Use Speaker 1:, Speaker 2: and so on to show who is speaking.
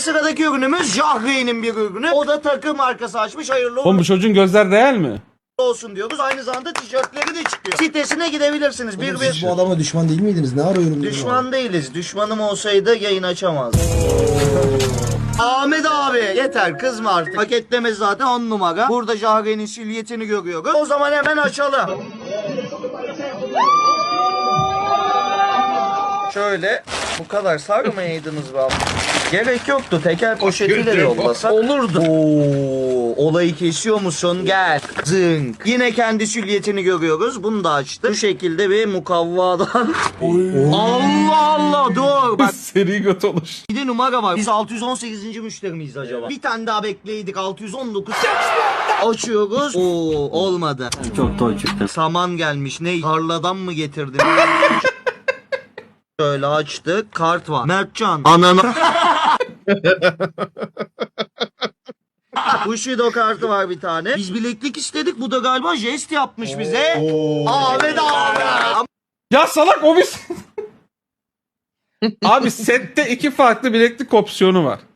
Speaker 1: sıradaki ürünümüz Jahreyn'in bir ürünü. O da takım markası açmış. Hayırlı
Speaker 2: Oğlum bu çocuğun gözler real mi?
Speaker 1: olsun diyoruz. Aynı zamanda tişörtleri de çıkıyor. Sitesine gidebilirsiniz.
Speaker 3: Siz bu adama düşman değil miydiniz? Ne arıyorum?
Speaker 1: Düşman değiliz. Düşmanım olsaydı yayın açamazdım. Ahmet abi yeter kızma artık. Paketleme zaten 10 numara. Burada Jahreyn'in silüetini görüyoruz. O zaman hemen açalım. Şöyle bu kadar sarmayaydınız be abi. Gerek yoktu. Teker poşetiyle de yollasak olurdu. Oo, olayı kesiyor musun? Gel. Zınk. Yine kendi silüetini görüyoruz. Bunu da açtık. Bu şekilde bir mukavvadan. Allah Allah dur. Bak
Speaker 2: Seri göt oluş.
Speaker 1: bir de numara var. Biz 618. müşteri miyiz acaba? Bir tane daha bekleydik. 619. Açıyoruz. Oo olmadı.
Speaker 4: Çok toy çıktı.
Speaker 1: Saman gelmiş. Ne? Tarladan mı getirdin? Şöyle açtık. Kart var. Mertcan. Ananı. Bushido kartı var bir tane. Biz bileklik istedik. Bu da galiba jest yapmış bize. Ahmet abi.
Speaker 2: Ya salak o bir... Abi sette iki farklı bileklik opsiyonu var.